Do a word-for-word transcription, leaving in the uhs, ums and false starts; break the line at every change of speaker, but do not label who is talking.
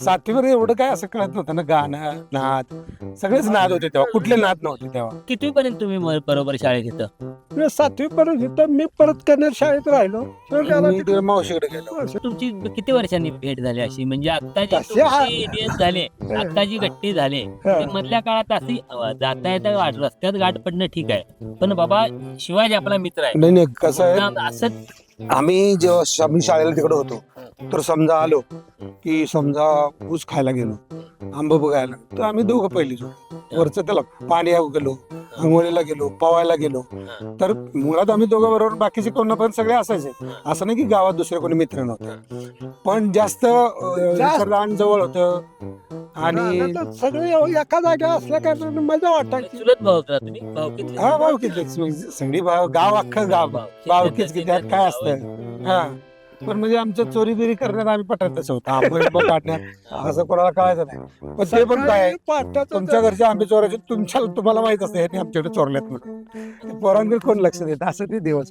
सातवीवर एवढं काय असं कळत नव्हतं ना, गाणं नाद सगळेच नाद होते तेव्हा, कुठले नाद नव्हते तेव्हा.
कितवी पर्यंत तुम्ही म- बरोबर शाळेत येतं?
सातवी पर्यंत इथं मी परत कन्नड शाळेत राहिलो शेवटी आला
मी
तिकडे.
तिकडे मावशीकडे गेलो.
तुमची किती वर्षांनी भेट झाली अशी, म्हणजे आता जे
तसे आ-
तुमची डेथ झाले, आता जी गट्टी झाले, ते मधल्या काळात अशी अ, जाता येता गाठ- रस्त्यात गाठ पडणं ठीक आहे, पण बाबा शिवाजी आपला मित्र आहे
नाही नाही कसं आहे,
ना, असं
आम्ही जेव्हा श- आम्ही शाळेला तिकडे होतो तर समजा आलो की समजा ऊस खायला गेलो, आंबा बघायला, तर आम्ही दोघं पहिली जोडी वरचं त्याला पाणी गेलो, अंघोळीला गेलो, पवायला गेलो, तर मुळात आम्ही दोघं बरोबर, बाकीचे कोण पण सगळे असायचे. असं नाही की गावात दुसरे कोणी मित्र नव्हते, पण जास्त अं,
जास्त-
रान जवळ होतं आणि
रानात सगळे एका जागा असल्या कारणाने मजा वाटायची.
चुलत भाऊ होता तुम्ही, भाऊ किती?
हा भावकीतलेच सगळी भाव गाव अख्खं गाव भावकीच की त्यात काय असतं. हा पण म्हणजे आमचं चोरी बिरी करण्यात आम्ही पटतच होतो, आंबे बिंबे काढण्यात असं कोणाला कळायचं नाही. पण ते पण काय आहे,
पाटाचं
तुमच्या घरचे आंबे चोरायचे, तुमच्या तुम्हाला माहित असतं ह्यांनी आमच्याकडे चोरल्यात म्हणून, पोरांकडे कोण लक्ष देत, असं ते दिवस.